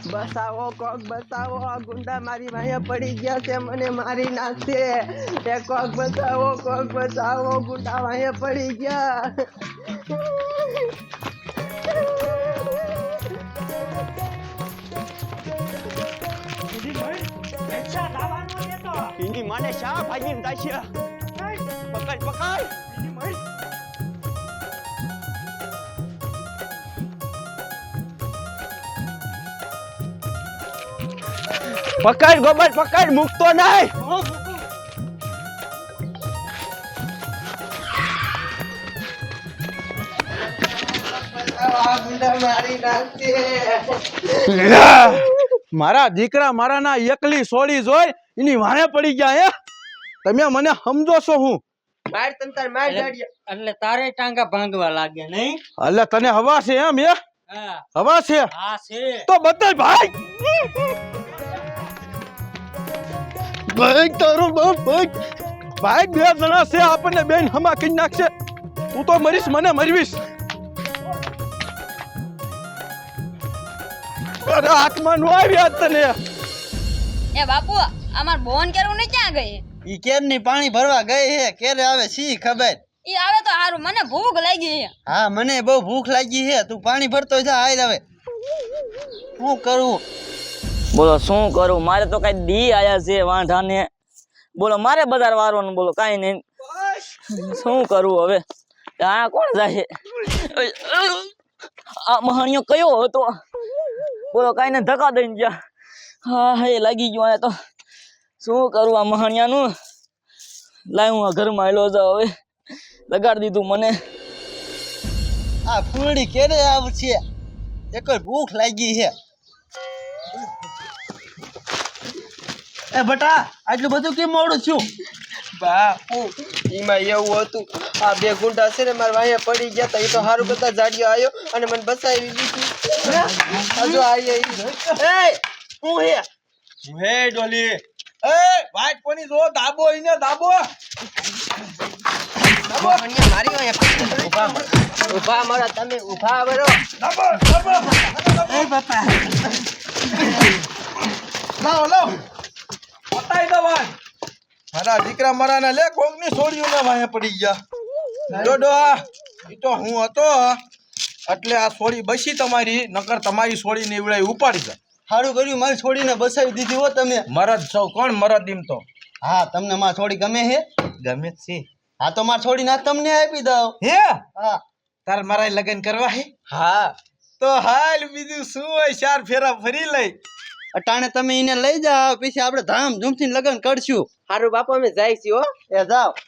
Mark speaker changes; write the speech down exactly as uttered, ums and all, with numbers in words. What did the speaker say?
Speaker 1: બસાવો કોક બસાવો, આ ગુંડા મારી વાહે પડી ગયા છે, મને મારી નાખશે. એ કોક બસાવો કોક બસાવો, ગુંડા વાહે પડી ગયા.
Speaker 2: એની મને શા ભાગીને તાશે. પકડ પકડ. પકડ ગોબર પકડ, મૂકતો નહીં.
Speaker 3: મારા દીકરા મારા ના એકલી સોળી જોઈ એની વાણે પડી ગયા. હે તમે મને સમજો છો? હું
Speaker 1: માર તંતર માર ગાડિયા
Speaker 4: એટલે તારે ટાંગા ભાંગવા લાગે નહીં?
Speaker 3: એટલે તને હવા છે એમ? હે
Speaker 4: હા
Speaker 3: હવા છે?
Speaker 4: હા છે.
Speaker 3: તો બતાય ભાઈ. ભાઈ તારો બાપ ભાઈ ભાઈ બે જણા છે, આપણને બેન હમા કરી નાખશે. તું તો મરીશ, મને મરવીશ. અરે હાથમાં નો આવ્યા તને.
Speaker 5: એ બાપુ અમાર બોન કેરું ને ક્યાં ગઈ?
Speaker 4: ઈ કેર ની પાણી ભરવા ગઈ હે, કેરે આવે સી ખબર.
Speaker 5: ઈ આવે તો હારું, મને ભૂખ લાગી છે.
Speaker 4: હા મને બહુ ભૂખ લાગી હે, તું પાણી ભરતો જા. આય હવે શું કરું?
Speaker 6: બોલો શું કરું? મારે તો કઈ દી આયા છે વાંઢાને. બોલો મારે બજાર વારવાનું. બોલો કાઈ નહીં, શું કરું હવે? આ કોણ જાય? આ મહાણિયો કયો હતો? બોલો કાઈ ને ધક્કા દઈને ગયા. હા હે લાગી ગયો. આ તો શું કરું આ મહાણિયાનું? લાય હું આ ઘરમાં આવેલો જાઉં. હવે લગાડી દીધું મને.
Speaker 4: આ ફૂલડી કેરે આવશે? એક ભૂખ લાગી હે. એ બટા આટલું બધું કેમ મોડું થયું?
Speaker 1: બાપુ એમાં એવું હતું, આ બે ગુંડા છે ને મારા વાહે પડી ગયા તા. એ તો હારું બધા જાડિયો આવ્યો અને મને બસાવી દીધી. હજુ આઈએ એ
Speaker 4: હું હે
Speaker 3: હે ડોલી, એ વાટ કોની જો? દાબો ઈને દાબો.
Speaker 1: દાબો મને મારી વાહે ઉભા ઉભા મારા તમે ઉભા બરો.
Speaker 3: દાબો દાબો.
Speaker 4: એ બાપા
Speaker 3: લાવ લાવ પતાઈ દો ભાઈ. મારા દીકરા મારા ને લે કોકની છોડીઓ ના વાહે પડી ગયા. ડોડો ઈ તો હું હતો એટલે આ છોડી બસી તમારી, નકર તમારી છોડી ને એવડાઈ ઉપાડી જાય.
Speaker 4: સારું કર્યું મારી છોડીને બસાવી દીધી હો તમે.
Speaker 3: મરદ સૌ કોણ મરદ એમ તો.
Speaker 4: હા તમને માર છોડી ગમે હે?
Speaker 3: ગમે છે.
Speaker 4: હા તો માર છોડી ના તમને આપી દઉં.
Speaker 3: હે
Speaker 4: હા
Speaker 3: તાર મારા લગન કરવા હે?
Speaker 1: હા
Speaker 3: તો હાલ બીજું શું હોય, ચાર ફેરા ફરી લઈ.
Speaker 4: અટાણે તમે એને લઈ જાઓ, પછી આપણે ધામ ધૂમથી લગ્ન કરશું.
Speaker 1: હારું બાપુ અમે જાય છીએ હો.
Speaker 4: એ જાઓ.